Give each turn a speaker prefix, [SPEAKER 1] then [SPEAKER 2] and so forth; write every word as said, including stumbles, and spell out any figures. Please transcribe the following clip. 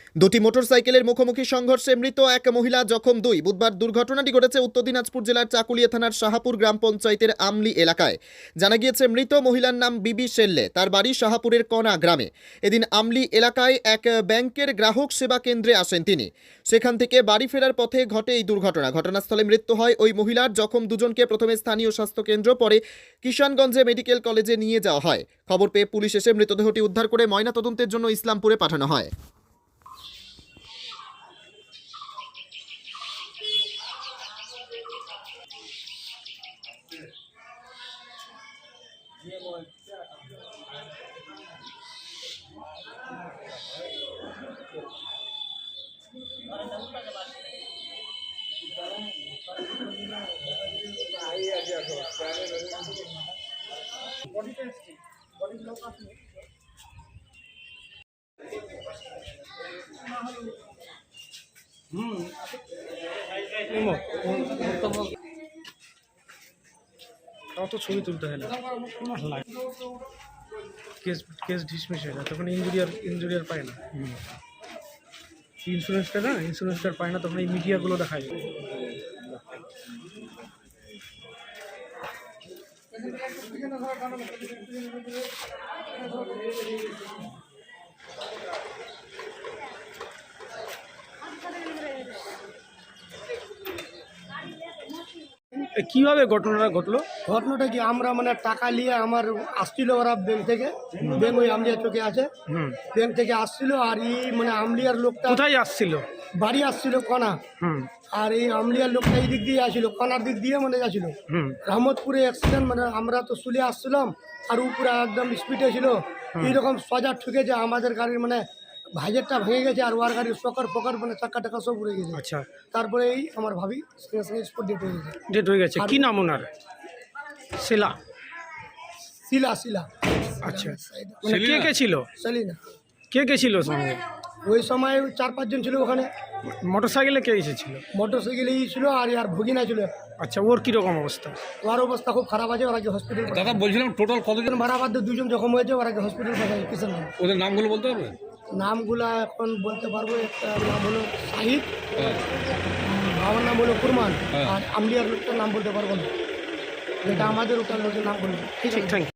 [SPEAKER 1] দুটি মোটরসাইকেলের মুখোমুখি সংঘর্ষে মৃত এক মহিলা, জখম দুই। বুধবার দুর্ঘটনাটি ঘটেছে উত্তর দিনাজপুর জেলার চাকুলিয়া থানার শাহাপুর গ্রাম পঞ্চায়েতের আমলি এলাকায়। জানা গিয়েছে মৃত মহিলার নাম বিবি শেল্লে, তার বাড়ি শাহাপুরের কণা গ্রামে। এদিন আমলি এলাকায় এক ব্যাংকের গ্রাহক সেবা কেন্দ্রে আসেন তিনি। সেখান থেকে বাড়ি ফেরার পথে ঘটে এই দুর্ঘটনা। ঘটনাস্থলে মৃত্যু হয় ওই মহিলার। জখম দুজনকে প্রথমে স্থানীয় স্বাস্থ্যকেন্দ্র, পরে কিষানগঞ্জে মেডিকেল কলেজে নিয়ে যাওয়া হয়। খবর পেয়ে পুলিশ এসে মৃতদেহটি উদ্ধার করে ময়নাতদন্তের জন্য ইসলামপুরে পাঠানো হয়।
[SPEAKER 2] অত ছবি তুলতে হয় না, কেস কেস ডিসমিস হয়ে যায়, তখন ইঞ্জুরিয়ার ইঞ্জুরিয়ার পায় না, ইন্স্যুরেন্সটা না ইন্স্যুরেন্সটা পায় না, তখন এই মিডিয়াগুলো দেখায়। কিভাবে ঘটনাটা ঘটলো?
[SPEAKER 3] ঘটনাটা কি, আমরা মানে টাকা নিয়ে আমার আসছিল ওরা ব্যাংক থেকে, ব্যাংক ওই আমলিয়া চোখে আছে, ব্যাংক থেকে আসছিল। আর এই মানে আমলিয়ার লোকটা
[SPEAKER 2] কোথায় আসছিল?
[SPEAKER 3] বাড়ি আসছিল কণা, আর এই আমলিয়ার লোকটা এই দিক দিয়ে আসছিল, কণার দিক দিয়ে মানে যাচ্ছিল রহমতপুরে অ্যাক্সিডেন্ট। মানে আমরা তো শুলে আসছিলাম, আর উপরে একদম স্পিডে ছিল, এইরকম সজা ঠুকেছে আমাদের গাড়ির, মানে ভাইজারটা ভেঙে গেছে, আর ওয়ার গাড়ির সকর ফকর মানে চাক্কা টাকা সব উড়ে গেছে।
[SPEAKER 2] আচ্ছা,
[SPEAKER 3] তারপরে এই আমার ভাবি সঙ্গে সঙ্গে স্পট ডেট হয়ে গেছে।
[SPEAKER 2] ডেট হয়ে গেছে। কি নাম ওনার? শিলা।
[SPEAKER 3] শিলা শিলা
[SPEAKER 2] আচ্ছা, মানে কে কে ছিল?
[SPEAKER 3] সেলিনা।
[SPEAKER 2] কে কে ছিল সঙ্গে?
[SPEAKER 3] ওই সময় চার পাঁচজন ছিল ওখানে।
[SPEAKER 2] মোটরসাইকেলে কে এসেছিল?
[SPEAKER 3] মোটরসাইকেলে ছিল, আর আর ভগিনা ছিল।
[SPEAKER 2] আচ্ছা, ওর কিরকম অবস্থা?
[SPEAKER 3] ওর অবস্থা খুব খারাপ আছে, ওরা কি হসপিটাল।
[SPEAKER 4] দাদা বলছিলাম টোটাল কতজন
[SPEAKER 3] ভাড়া বাদ দিয়ে দুজন জখম হয়েছে, ওরা কি হসপিটাল পাঠায় কিষানগঞ্জ।
[SPEAKER 4] ওদের নামগুলো বলতে পারবে?
[SPEAKER 3] নামগুলা এখন বলতে পারবো। একটা নাম হলো শাহিদ, আমার নাম হলো কুরমান, আর আমলিয়ার লোকটার নাম বলতে পারবো না, যেটা আমাদের ওটার লোকের নাম বলবো।
[SPEAKER 2] ঠিক, থ্যাংক ইউ।